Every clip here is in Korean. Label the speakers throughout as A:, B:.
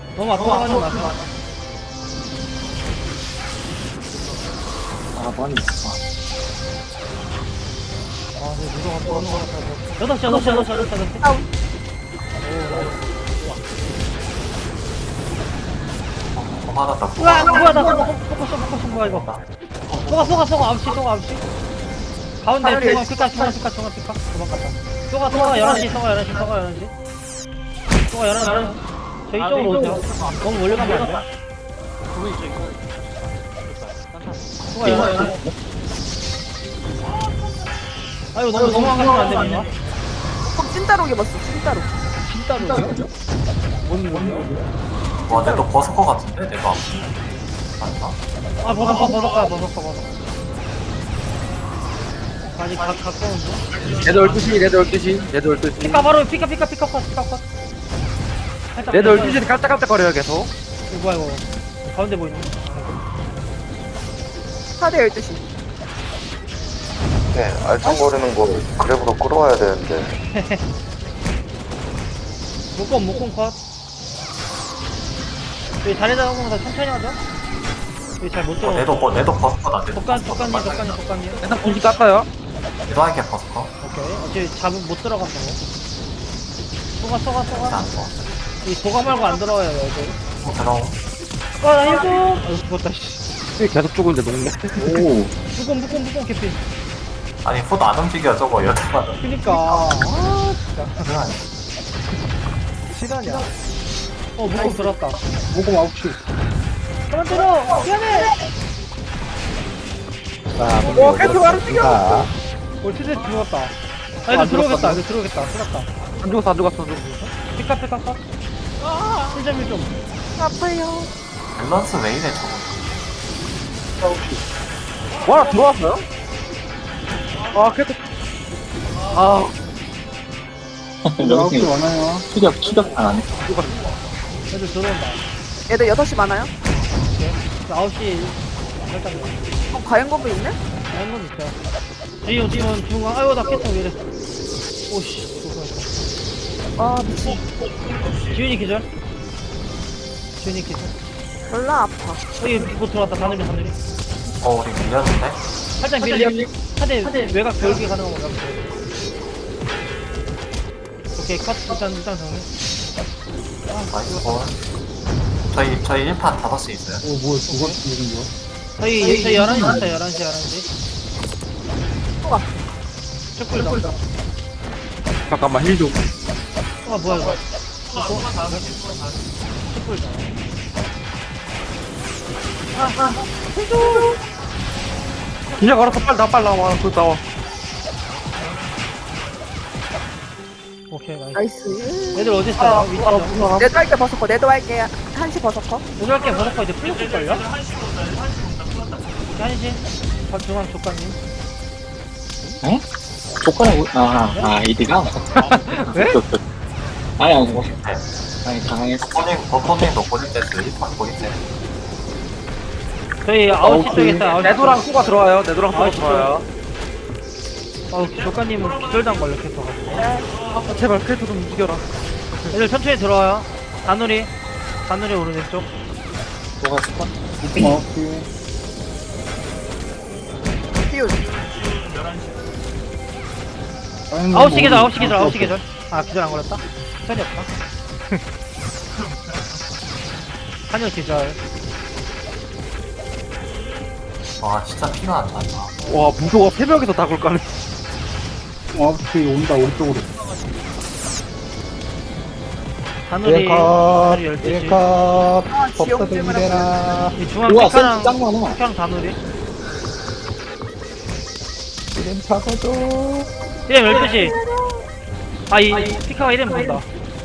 A: 너무 아까워하지 마.
B: 아, 많이 있어.
A: 아, 내 무서워 떠는 거 같아. 6시.
C: 다운.
B: 맞았다.
A: 우와, 뭐야, 나 포커스 뭐야, 이거. 쏘가, 9시. 가운데,
C: 하늘이
A: 중앙 피카. 도망갔다. 쏘가, 11시. 쏘가 11시. 저 이쪽으로 오세요. 너무 멀리 가면 안 돼. 쏘가 11시. 아이고, 너무 안 가면 안 돼, 뭔가.
C: 찐따로 입었어, 찐따로.
A: 진짜로.
B: 와, 내가 벗을 것 같은데? 내가. 아닌가?
A: 아, 벗어. 아직 가까운데?
D: 레드 12시.
A: 피카 바로, 피카 컷. 살짝
D: 레드
A: 됐어요.
D: 12시는 깔짝깔짝거려요, 계속.
A: 이거 뭐야, 이거. 가운데 보이네.
C: 4대 12시.
E: 네, 알짱거리는 거 그랩으로 끌어와야 되는데.
A: 목공 컷. 여기 다리 잡으면서 천천히 하자. 여기 잘 못 들어.
B: 내도 벗을 거다.
A: 독감님.
D: 일단 공기 깎아요.
B: 내도 할게 벗을 거.
A: 오케이. 어차피 잡으면 못 들어간다고. 쏘가.
B: 일단 뭐.
A: 이 도가 말고 안 들어와요, 여기.
B: 들어오.
A: 나 힐 좀! 아유, 죽었다, 씨.
D: 계속 죽은데 녹네.
E: 오,
A: 묶음, 개피.
B: 아니, 푸드 안 움직여, 저거. 여태까지.
A: 그니까. 아, 진짜.
B: 그래, 아니.
A: 시간이야. 묶음 들었다.
D: 모금 9시.
A: 그만 들어! 미안해!
C: 오, 깨트 바로 뛰겨!
A: 티드 죽었다. 아, 이거 들어오겠다. 들었다.
D: 안 죽었어.
A: 피카 컷. 1.1점.
C: 아파요.
B: 밸런스 왜 이래, 저거.
D: 와, 들어왔어요? 아, 계속. 아,
E: 여기 추격 안 하네.
A: 애들 들어온다.
C: 얘들 6시 많아요?
A: 9시 살짝
C: 과연 건물 있네?
A: 다른 건 있어요. 지금 중앙. 아이고, 나 깼어, 왜 이래. 오씨.
C: 아, 미친.
A: 지훈이 기절.
C: 졸라 아파.
A: 여기 뭐 들어왔다. 하늘이.
B: 우리 밀렸는데?
A: 살짝 밀리. 하대 외곽 별기 가능한 건가? 오케이, 컷. 일단 정리.
B: 나이스 볼. 저희 1판 5시 있어요.
A: 저희 11시 있다. 11시.
C: 우와.
A: 촛불다.
D: 잠깐만, 힐 좀.
A: 뭐야, 이거. 촛불다.
D: 그냥 걸어서 빨리 나와. 나와.
A: 오케이, 나이스.
C: 나이스.
A: 애들 어디 있어요? 위치죠?
C: 내도 할게 벗었고, 내도 할게. 1시 벗었고.
A: 오늘 게 버섯거 이제 풀렸을걸요? 1시? 중앙 조카님.
F: 조건을 이디가?
D: 네?
F: 아니 당황했어.
B: 버퍼님도 고립 됐어요. 1판 고립 됐어요.
A: 저희 9시 쪽에 있어요. 9시
D: 레도랑 수가 들어와요. 레도랑 수가
A: 아,
D: 들어와요.
A: 조카님은 기절당 걸렸겠어가지고.
D: 제발 크레도 좀 이겨라.
A: 애들 천천히 들어와요. 다누리 오른쪽.
F: 뭐가 스팟?
C: 띄우.
A: 9시 계절. 아, 기절 안 걸렸다? 기절이 없다. 한여 기절.
B: 와, 진짜 피가 안 난다.
D: 와, 무조가 새벽에서 닭을 까네.
A: 다누리 12시.
C: 아, 지옥 때문에.
A: 이 중앙
F: 우와,
A: 피카랑
F: 센스 짱 많아.
A: 다누리. 이름 12시. 이 피카가 이름 본다.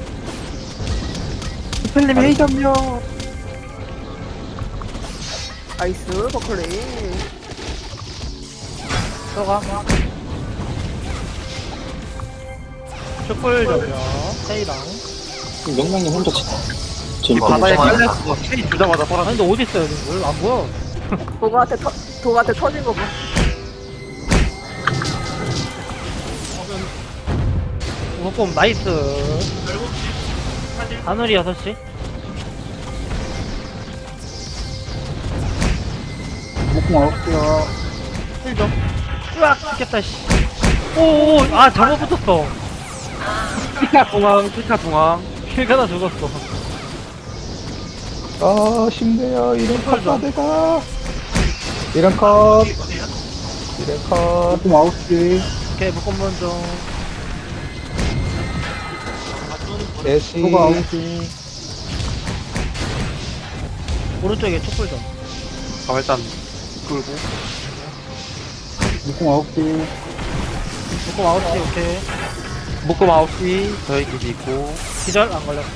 D: 스펠님 회의 점요.
C: 나이스, 버클리.
A: 들어가. 촛불 점령. 세이랑.
F: 명랑님 혼자 제일
D: 바다에
B: 맞아.
D: 깔렸어. 체이 주자마자
A: 아니,
D: 빨아.
A: 근데 어딨어요, 지금? 안 보여.
C: 도가한테 터진 거 봐.
A: 묶음 나이스. 하늘이 6시.
F: 목공 아웃이야.
A: 1점. 으악, 죽겠다, 씨. 오오, 아, 잘못 붙었어.
D: 피카 중앙, 피카 중앙.
A: 킬가다 죽었어.
G: 아, 쉽네요. 이런 컷
A: 좀.
G: 내가. 이런 컷. 이런 컷.
F: 목공 아웃이.
A: 오케이, 묶음 먼저.
G: 대시.
A: 오른쪽에 촛불 좀.
D: 아, 일단, 끌고.
F: 목공 아웃이.
A: 묶음 아웃이, 오케이.
D: 묶음 9시, 저희 기지 있고.
A: 기절 안 걸렸어.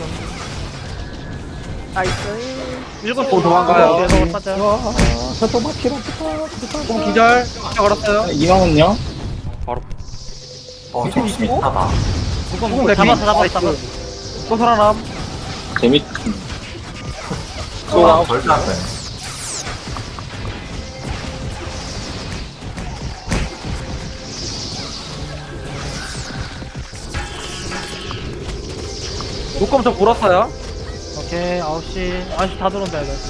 C: 나이스.
A: 7시.
D: 오, 도망가요.
A: 계속 타자.
G: 와, 저또 막히랑
D: 좀 기절. 피카 걸었어요.
F: 이왕은요?
D: 바로.
B: 정신 있다다.
A: 묶음,
D: 묶음
A: 묶음. 잡았어.
D: 또 살아남.
F: 재밌.
B: 와, 절대 안 돼.
D: 묶음 좀 불었어요.
A: 오케이, 9시. 9시 다 들어온다, 이거.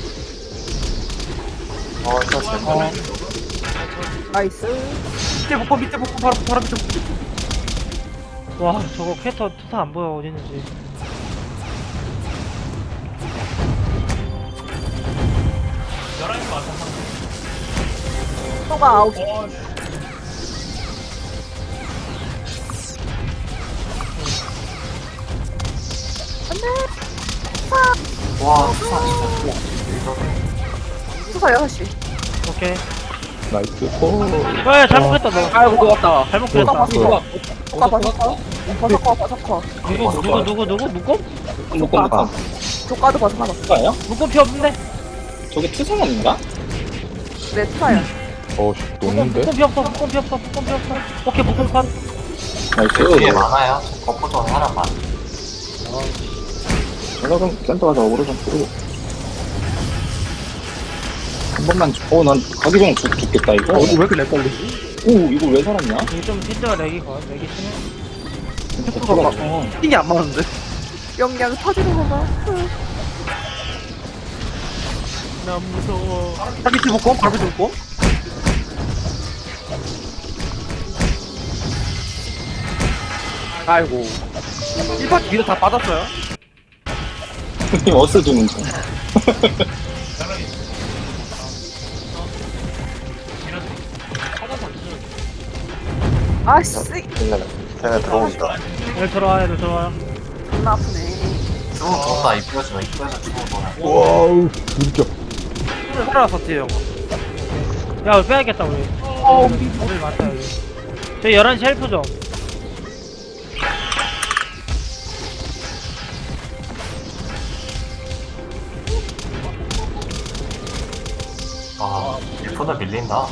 B: 저 제발.
C: 나이스.
D: 밑에 묶음, 바로 밑에 묶음.
A: 와, 저거 캐터 투사 안 보여, 어디 있는지.
C: 소가 아웃.
B: 와, 수사 진짜.
C: 수사 6시.
A: 오케이.
G: 나이스 코.
A: 야, 잘못했다, 너.
D: 아이고, 녹았다.
A: 잘못
C: 소가
A: 그렸다.
C: 버섯. 소가 버섯. 버섯.
A: 누구? 묶음?
F: 목공
C: 조카. 조카도 버섯 하나.
F: 투사예요?
A: 묶음 피 없는데?
F: 저게 투사만인가?
C: 네, 투사야.
G: 어씨, 녹는데?
A: 묶음 피 없어. 오케이, 묶음 컷.
B: 뒤에
F: 나이스.
B: 많아요. 버퍼전 사람만.
F: 제가 그럼 센터 가서 어그로 좀 끌고. 한 번만 난 가기 전에 죽겠다 이거.
D: 왜 이렇게 렉 걸리지?
F: 오 이거 왜 살았냐?
A: 이게 좀 힌트가 렉이 심해.
D: 템포가 막, 핑이 안 맞는데?
C: 영양 터지는 건가?
A: 나 무서워.
D: 바로 밑에 묶음, 바로 밑에 묶음. 아이고. 1파 뒤로 다 빠졌어요?
F: 형님 어스 주는 중.
C: 아씨,
E: 쟤네 들어온다.
A: 얘들 들어와요.
C: 존나 아프네.
B: 죽은 거다 입구에서 죽은 거네.
G: 와우, 진짜.
D: 살아났었지, 형.
A: 야, 우리 빼야겠다, 우리. 우리 많다, 여기. 저희 11시 헬프 좀.
B: 아, 1분을 밀린다.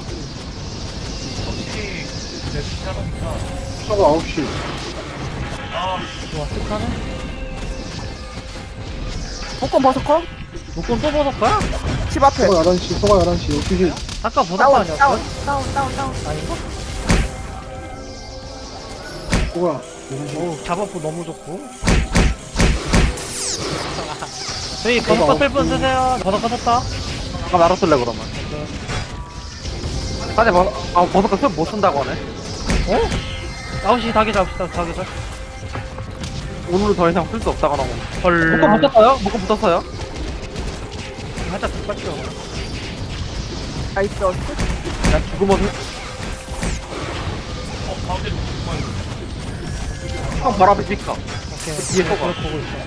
F: 저거 9시.
A: 좋아, 쓱하네.
C: 복권 버섯 컷?
A: 묶음 또 벗을 거야?
C: 집 앞에.
F: 11시, 소가 11시, 12시.
A: 아까 벗을 거
C: 다운,
A: 아니었어?
C: 다운.
A: 아닌가?
F: 소가.
A: 오, 잡았고 너무 좋고. 저희 버섯컷 쓸분 쓰세요. 버섯컷 썼다.
D: 아, 나로 쓸래, 그러면. 사실 버섯가 술못 쓴다고 하네.
A: 9시 다 계좌.
D: 오늘은 더 이상 쓸 수 없다고 하고.
A: 헐.
D: 묶음 붙었어요?
A: 살짝 뒷받쳐.
C: 나이스 어스.
D: 그냥 죽으면 형 바로 앞에 피카.
A: 오케이.
D: 뒤에 쏘고.
A: 그걸 보고 있어.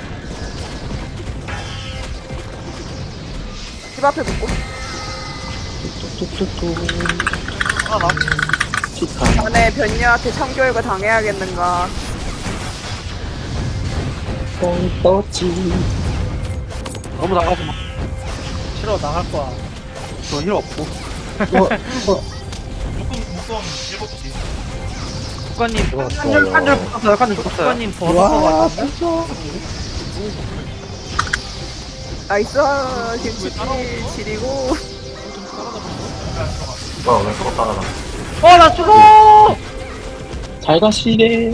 C: 집 앞에 복권.
D: 하나.
C: 자네 변녀한테 참교육을 당해야겠는가.
D: 너무 나가지 마.
A: 싫어, 나갈 거야.
D: 저 힐 없고.
A: 국가님,
D: 칸줄 붙었어요. 칸줄 붙었어요.
A: 국가님 버섯
G: 와,
A: 거
G: 진짜.
C: 나이스 김치 지리고.
B: 뭐야, 왜 그거 따라가?
A: 나 죽어!
F: 잘 가시게.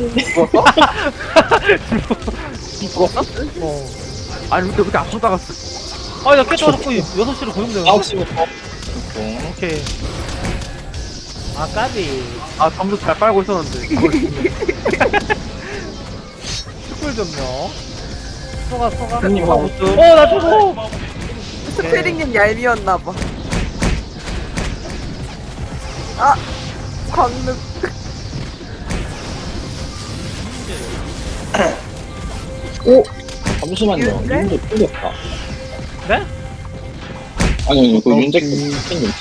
D: 죽었어? 아니 근데 그렇게 안 쏘다갔어.
A: 나 깨져 자꾸 6시로 고용돼요.
F: 9시부터. 공.
D: 오케이.
A: 아 까비.
D: 아, 점수 잘 빨고 있었는데.
A: 축구 좀요. 쏘가.
F: 형님 하고 있어.
A: 나 죽어.
C: 스페링님 얄미웠나봐. 아! 광릉.
F: 잠시만요.
C: 윤재?
F: 윤재 풀렸다.
A: 네?
F: 아니, 그 윤재 팬님.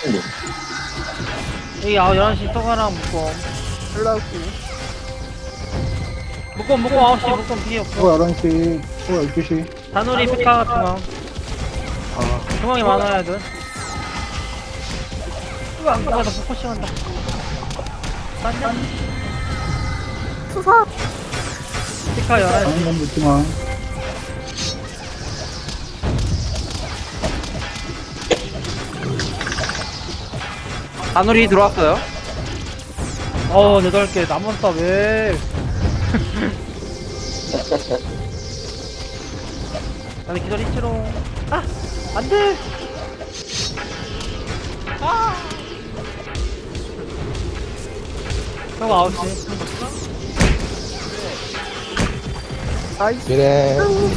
A: 여기 11시 쏘가랑
C: 올라오고.
A: 묶음 9시 묶음 피해 없어.
G: 11시, 12시.
A: 다누리 피카 중앙. 중앙이 많아야 돼. 안 가다 포커싱 한다. 딴
C: 투사!
A: 피카 11시.
G: 한번 묻지마.
D: 다누리 들어왔어요.
A: 8개 남았다 왜? 아니 기다리지롱. 안돼. 저거 9시.
C: 나이스.
G: 미래.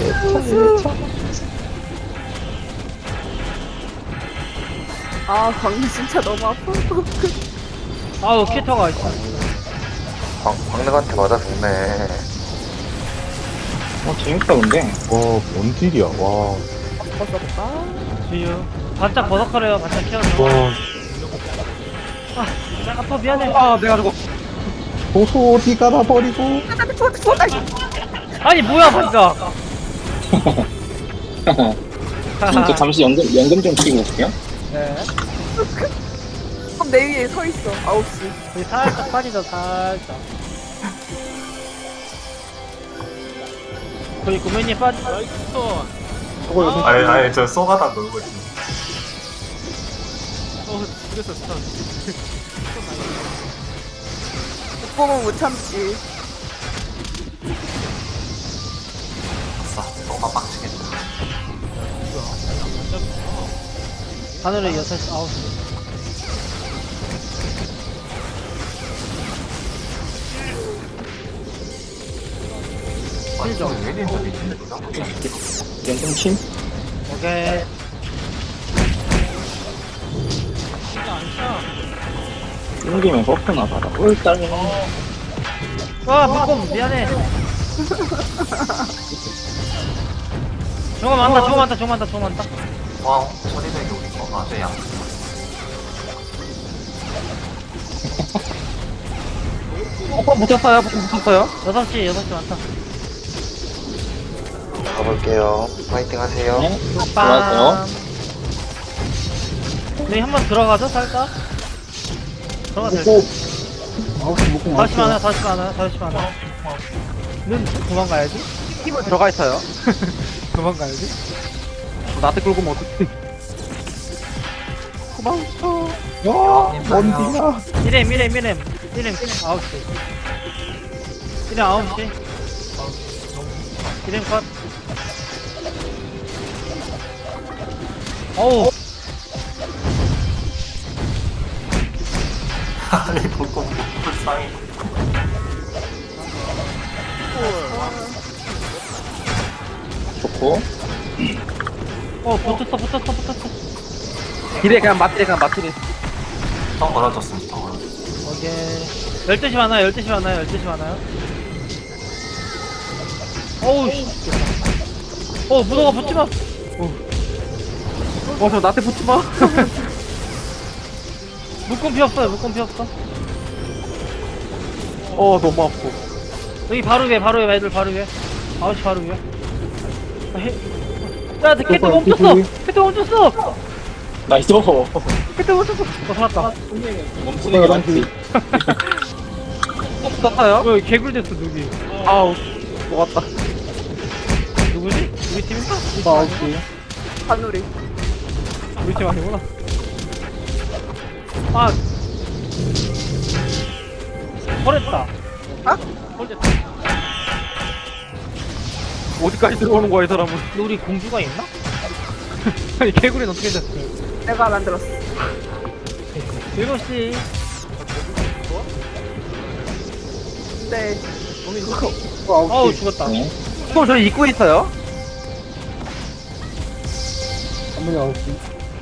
C: 아, 광릉 진짜 너무 아파.
A: 아우 키터가 있어.
E: 광릉한테 맞아 죽네.
F: 재밌다, 근데.
G: 뭔 딜이야, 와.
A: 지유. 반짝 버섯거려요. 반짝 키워줘.
G: 와.
A: 아파 미안해.
D: 내가 저거.
G: 도수 어디 가다 버리고.
A: 아니 뭐야 반짝.
F: 저 잠시 연금 좀 치고 올게요.
A: 네.
C: 그럼 내 위에 서 있어. 9시.
A: 여기 살짝 빠지죠 살짝. 거기 구매님 빠지.
B: 아니 저 쏘가다 놀고 있어.
C: 못 보면 못 참지.
B: 아싸 쏘가 빡치겠다.
A: 하늘에 6시 9시.
B: 완전 왜 이런 저기 있는 거야?
F: 연금 침?
A: 오케이.
F: 끊기면 버프나 받아. 꿀딸.
A: 묶음 미안해. 저거 많다.
B: 와우 소리백이 우리 거 맞아 양.
D: 붙였어요.
A: 6시 많다.
E: 가볼게요. 파이팅 하세요.
F: 네. 들어가세요.
A: 여기 한번 들어가죠 살짝. 들어가도 될
G: 먹고.
A: 듯.
G: 9시 먹고
A: 5시 많아. 는 도망가야지.
D: 들어가 있어요.
A: 도망가야지.
D: 나한테 끌고 오면 어떡해.
G: 뭔 딜이야.
A: 미렘 9시. 미렘 9시. 미렘 컷. 어우.
B: 아니 보고 불쌍해.
F: 좋고.
A: 붙었어.
D: 딜에 그냥 맞들이.
B: 더 걸어줬으면 더 걸어줬어.
A: 오케이. 12시 많아요. 어우, 씨. 무더가 붙지 마.
D: 저 나한테 붙지 마.
A: 묶음 피 없어.
D: 너무 아프고.
A: 여기 바로 위에, 애들 바로 위에. 9시 바로 위에. 야, 캐트 멈췄어!
F: 나이스.
A: 살았다.
F: 멈추는 게 낫지.
D: 붙었어요?
A: 여기 개굴 됐어, 누기.
D: 아우, 녹았다.
A: 누구지? 우리 팀인가?
G: 9시.
C: 하누리.
A: 우리 팀 아니구나. 버렸다. 버렸다.
D: 어디까지 들어오는 거야, 이 사람은.
A: 근데 우리 공주가 있나? 아니, 개굴이는 어떻게 됐어?
C: 내가 만들었어.
A: 7시.
C: 네.
A: 어우, 죽었다.
F: 네.
D: 또 저희 입구에 있어요.
G: 한번에 9시.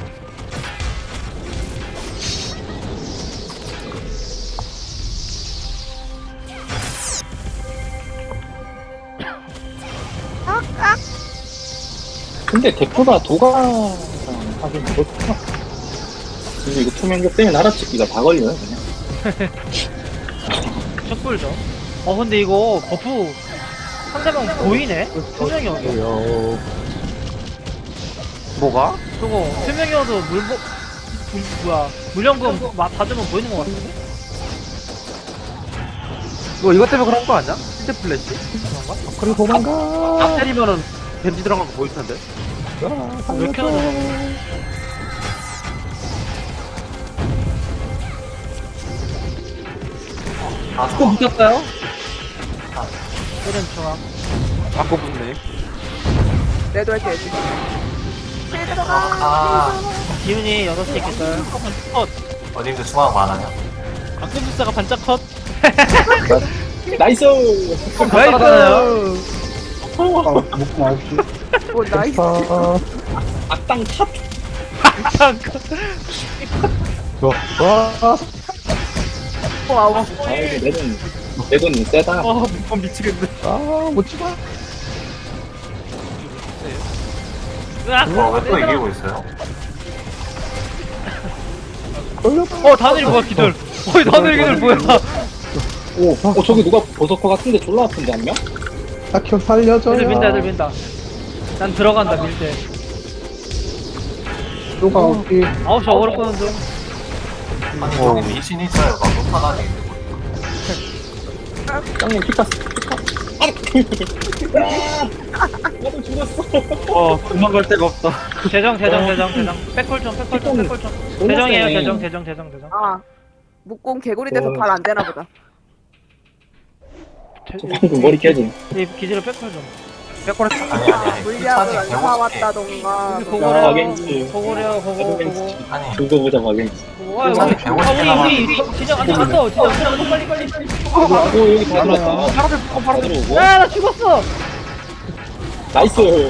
F: 근데 대포가 도가랑 하긴 그렇구나. 근데 이거 투명력 때문에 날아찍기가 다 걸려요, 그냥.
A: 촛불죠. 근데 이거 버프 상대방 보이네? 투명이어도.
G: 뭐야.
D: 뭐가?
A: 저거 투명이어도 물연금 받으면 보이는 것 같은데?
D: 이거 때문에 그런 거 아니야? 힌트 플래시?
A: 그런가?
G: 그래, 도망가.
D: 딱 때리면은 벤지 들어간 거 보일 텐데.
A: 왜 이렇게 하나?
B: 아,
D: 또 붙였어요?
A: 때린 중앙.
D: 아까 붙네.
C: 내도 할게, 애들.
B: 아,
A: 기운이 6시 있겠어요.
B: 어딘데 중앙 많아요?
A: 악세부사가 반짝 컷.
F: 나이스!
A: 나이스!
G: 묶음 9시.
C: 오, 나이스.
F: 악당 탑!
A: 반짝 컷.
G: 좋아. 와.
C: 오, 아우.
F: 아, 이거 내 돈 세다.
D: 묶음 미치겠네.
G: 못 찍어.
A: 으악!
B: 왜 또 이기고 있어요?
G: 걸렸다.
A: 다들 뭐야, 기들. 다들 기들 뭐야.
F: 저기 누가 버서커 같은데 졸라 아픈데, 한 명?
G: 딱혀 살려줘요.
A: 애들 민다. 난 들어간다, 밀 때.
G: 또가 9시.
A: 9시 어그로 끄는 중.
B: 아니, 저기 미신 있어요. 막 높아다니 있는 거.
F: 짱님 피카스. 나도 죽었어.
D: 도망갈 데가 없다.
A: 재정. 백홀 좀. 재정이에요, 재정.
C: 아. 목공 개구리 돼서 발 안 되나 보다.
F: 방금 머리 깨짐.
A: 이 기지로 백홀 좀.
B: 아니.
C: 물리학을 안
B: 1차지 150개.
C: 사왔다던가.
F: 마겐지.
A: 그거래요, 그거.
B: 아니,
F: 그거 보자, 마겐지.
A: 우리 진짜 안 나갔어. 진짜 빨리.
F: 여기 다 들어왔다.
D: 바로
F: 들어오고.
A: 야, 나 죽었어.
F: 나이스.
A: 왜?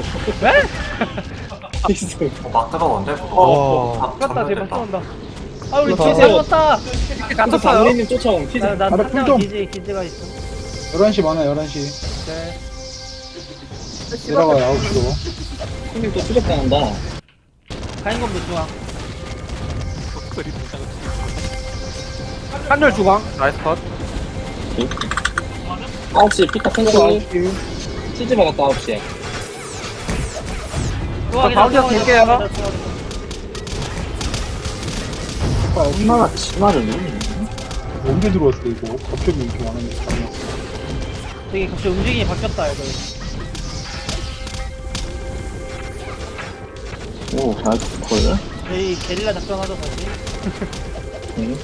F: 나이스.
B: 막 들어오는데?
G: 와.
A: 죽었다, 제발 쏜다. 우리
G: 그렇다.
A: 뒤에 잡았다.
F: 또 장례님 쫓아온 피자.
A: 나
G: 바로
A: 상장
G: 좀.
A: 기지가 있어.
G: 11시 많아, 11시.
A: 네.
G: 내려가요, 9시로.
F: 형님 또 추적당한다.
A: 가인검도 중앙.
D: 한열 중앙. 나이스 컷.
F: 9시 피카
G: 또가
F: 탱크.
G: 9시.
F: 치즈 먹었다 9시에.
D: 가운데서 볼게요.
F: 얼마나 치마를 누르니?
G: 언제 들어왔어, 이거? 갑자기 이렇게 많은데.
A: 되게 갑자기 움직임이 바뀌었다, 이거.
F: 오, 나이스 콜.
A: 저희 게릴라 작전하죠, 다시.
F: 응.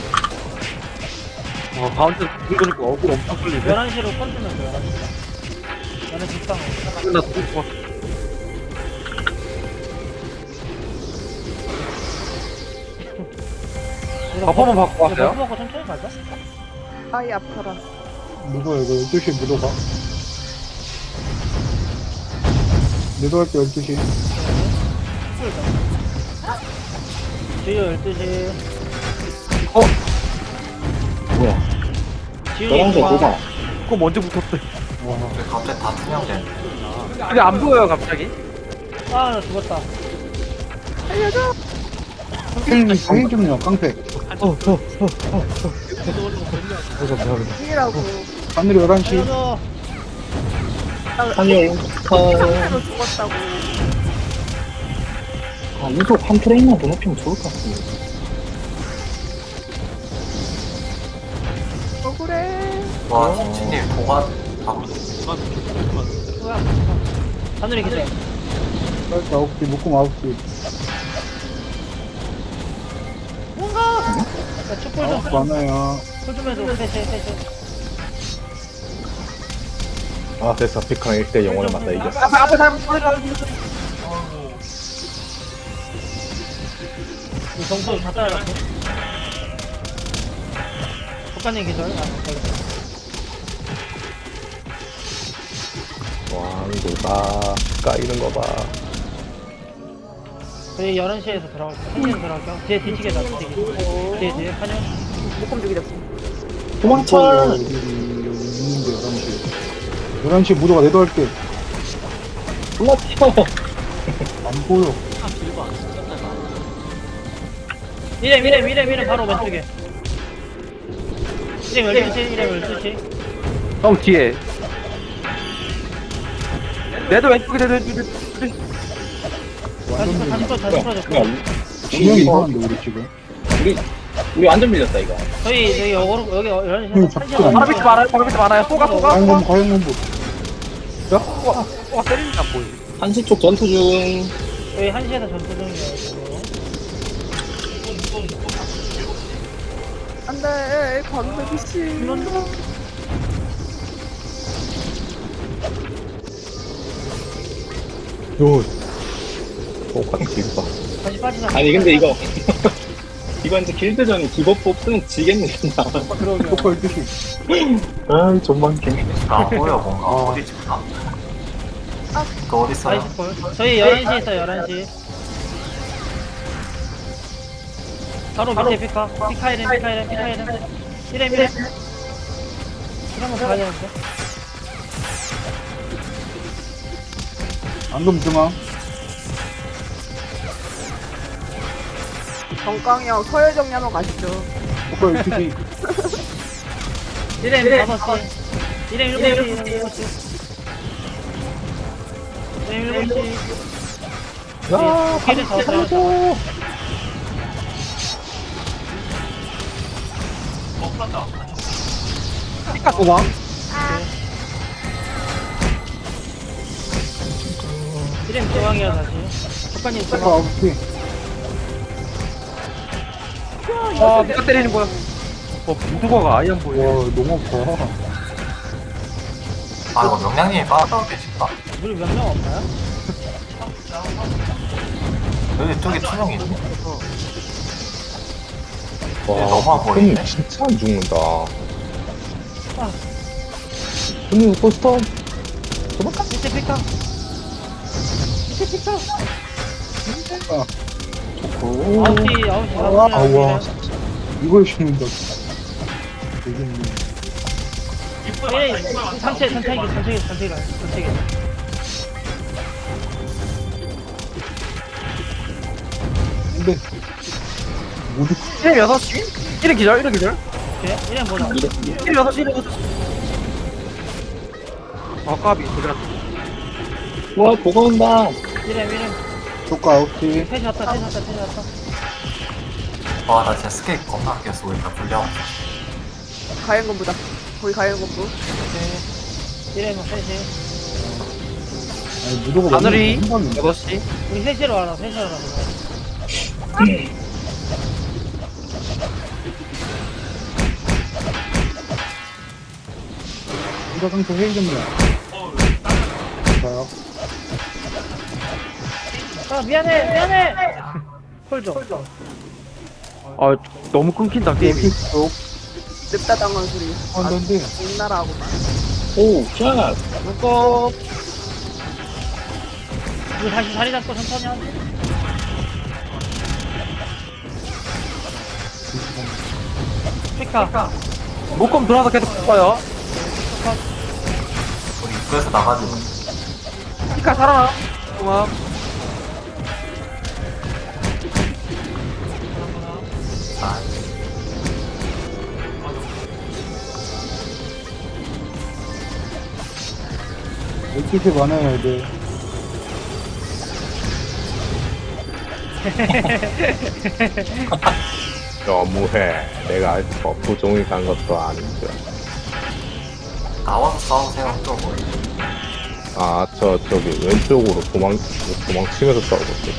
D: 가운데 긁으니까 얼굴 엄청 끌리네.
A: 11시로 컨트면 돼, 11시. 11시 식당.
D: 나 죽었어. 버퍼만 바꿔 왔어요?
A: 버프 먹고 천천히 가자.
C: 아이, 아파라.
G: 누가 이거 12시에 묻어가? 내도 할게 12시.
A: 지효 12시.
F: 뭐야?
A: 지효이
F: 11시에
A: 중앙.
F: 도가.
D: 그거 먼저 붙었대.
G: 와.
B: 왜 갑자기 다 투명돼?
D: 근데 안 보여요 갑자기.
A: 아, 나 죽었다.
G: 강행 좀요, 깡패.
C: 이라고.
G: 하늘이 11시.
A: 살려줘.
F: 한열.
C: 상태로 죽었다고.
F: 아, 이거 한 프레임만 더 높이면 좋을 것 같은데.
C: 억울해.
B: 와, 진진님 도가 다
A: 뭐야? 하늘이 기대.
G: 9시, 묶음 9시.
A: 뭔가! 야, 축구 좀.
G: 많아요.
A: 좀 해줘. 셋.
G: 아, 됐어. 피카 1대 0으로 맞다, 이겼어.
D: 앞에 잘못 보내라.
A: 이 점수 다 따라갔어. 국가님 기절.
G: 왕도가 까이는 거 봐.
A: 저희 11시에서 들어갈게요. 1시에서 들어갈게요. 뒤에 뒤치게 다 뒤에 한영.
C: 목금 죽이자.
F: 도망쳐!
G: 여기 있는데 11시. 11시 무조가 내도 할게.
F: 도망쳐!
G: 안 보여.
A: 이렘 바로 왼쪽에. 이렘 12시.
D: 형 뒤에. 내도 왼쪽에
A: 다시 풀어줬고.
F: 그냥
G: 진영이 이상한데, 우리 지금.
F: 우리 완전 밀렸다, 이거.
A: 저희 여기 11시에서
G: 응, 잡고
A: 1시에서
D: 바로 밑에 많아요. 바로 밑에 많아요. 쏘가.
G: 과연공부.
D: 야, 쏘가 때리는 안 보여.
F: 한시 쪽 전투 중.
A: 저희 1시에서 전투 중이에요.
C: 안 돼, 광석이 씨.
G: 요,
E: 똑같은 봐.
A: 다시 빠지자.
F: 아니, 근데 이거. 이거 이제 길드전 기법 뽑으면 지겠네, 진짜.
G: 똑같은 뜻이.
F: 아이, 존망개.
B: 안 보여 뭔가 어디 있나? 그 어디 있어요?
A: 나이스 볼. 저희 11시에 있어요. 11시. 바로 밑에 피카 이렘. 이렘. 한번 가야 되는데.
G: 앙금 중앙.
C: 정강형 서열 정리 한번 가시죠.
G: 똑같은 뜻이.
A: 이렘 5시. 이렘 7시. 이렘 7시. 야, 길을 더 들어가서.
D: 피카 도망.
A: 이렘 중앙이야 다시. 국가님
G: 똑같은
A: 중앙.
G: 9시.
D: 아, 누가 때리는 거야? 무두가가 아예 안 보여.
G: 와, 너무 아파.
B: 아 이거 명량님이 빠졌다고 계실까?
A: 우리 몇 명 없나요?
B: 여기 쪽에 투명이 있네.
E: 와,
B: 너무 안 보이네.
E: 형님 진짜 안 죽는다.
A: 아.
E: 형님, 포스터.
A: 밑에 피카.
E: 오.
A: 9시.
G: 아와. 이걸 죽는다. 되겠네. 산책이. 근데, 모두
D: 이름 6시? 이름 기절.
A: 오케이, 이름 보자.
D: 이름 6시. 아, 까비. 그래.
F: 와, 보가 온다.
A: 이름.
G: 조카 9시.
A: 셋이 왔다.
B: 와 나 진짜 스케이트 겁나 아껴 쓰고 있다 불량.
C: 가연건부다. 거기 가연건부.
A: 오케이. 이름 셋이.
G: 아니, 무도가
D: 하늘이
G: 한 방이네.
D: 6시.
A: 우리 셋이로 와라.
G: 누가 상태 회의 좀요. 봐요.
A: 아, 미안해. 콜 좀.
D: 아, 너무 끊긴다, 게임이.
G: 쪽.
C: 냅다 당한 소리.
G: 한데
C: 옛나라하고만.
F: 오, 샷.
D: 묶어.
A: 우리 다시 자리 잡고 천천히 하자. 피카.
D: 묶음 들어와서 계속 묶어요.
B: 우리 입구에서 나가지고
D: 피카 살아나. 고마워.
B: 아
G: 햇빛이 많아야 돼.
E: 너무해. 내가 버프 종이 간 것도 아닌데.
B: 나와서 싸우세요 또 뭐.
E: 아, 저기 왼쪽으로 도망치면서 싸우고 있어.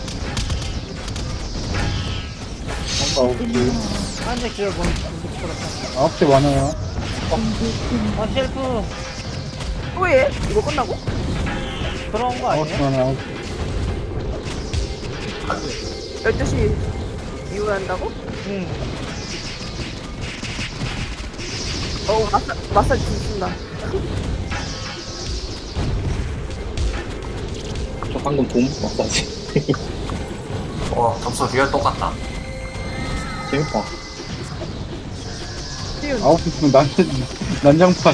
G: 뭔가 9시.
A: 한대 기절 본.
G: 9시 많아요.
A: 아, 셀프.
C: 또 해? 이거 끝나고?
A: 그런 거
G: 9시
A: 아니에요?
G: 많아요.
C: 12시 이후에 한다고?
A: 응.
C: 마사지 진다.
F: 저 방금 돈 마사지.
B: 점수 리얼 똑같다.
F: 재밌다.
G: 아홉 분 난장판.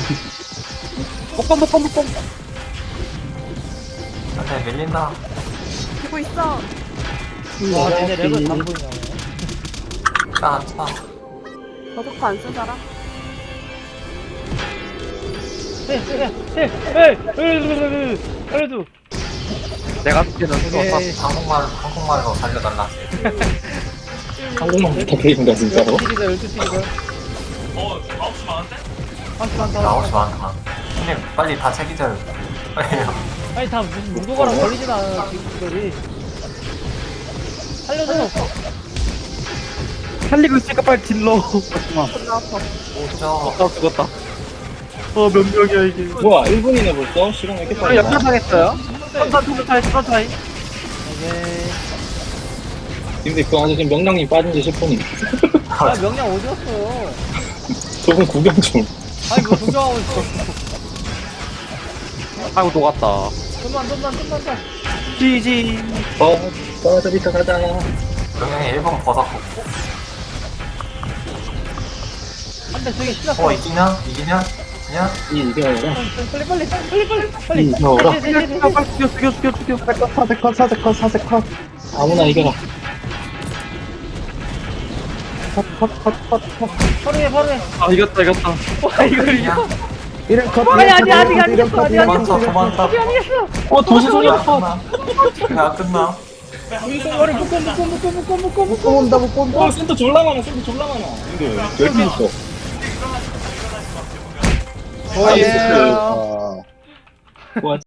B: 근데 밀린다.
C: 보고 있어.
A: 와 얘네 랩을 다 보이냐.
B: 짜.
C: 저도파 안쓴 사람?
A: 알려줘.
D: 내가 듣기는
A: 오케이.
B: 한국말로 살려달라.
F: 한국만 부탁드립니다, 진짜로.
A: 12시다.
B: 나오지 마. 형님 빨리 다 책이절. 빨리요.
A: 아니 다 무슨 무도가랑 걸리진 않아 지금들이. 살려줘.
D: 살리고 있으니까 빨리 딜러.
C: 존나 아파.
B: 오죠.
D: 죽었다. 몇 명이야 이게.
F: 뭐야, 1분이네 벌써? 시간 왜 이렇게
D: 아,
F: 빨리 가?
D: 역전당했어요. 선타이.
A: 오케이.
F: 근데 그 안에 지금 명랑님 빠진 지 10분이.
A: 아 명량 어디 갔어요?
F: 저분 구경 중.
A: 아니 뭐 구경하고 있어.
D: 아이고 녹았다.
A: 좀만 더.
D: GG.
F: 저리터 가자.
B: 영양이 1번 버섯고.
A: 한대 저기 신났어.
B: 이기냐?
F: 이겨라.
A: 빨리.
F: 이겨라.
D: 죽여.
G: 사색 컷.
F: 아무나 이겨라.
A: 바로 해.
D: 아 이겼다. 와 이걸 이겨.
G: 이름 컷.
A: 아니 아니겠어.
B: 도망쳐.
F: 도시 소리야.
B: 야 끝나.
A: 머리 묶어.
G: 못 본다.
F: 센터 졸라 많아. 근데 열개 있어.
G: 아,
A: 예.
G: 아.
F: 와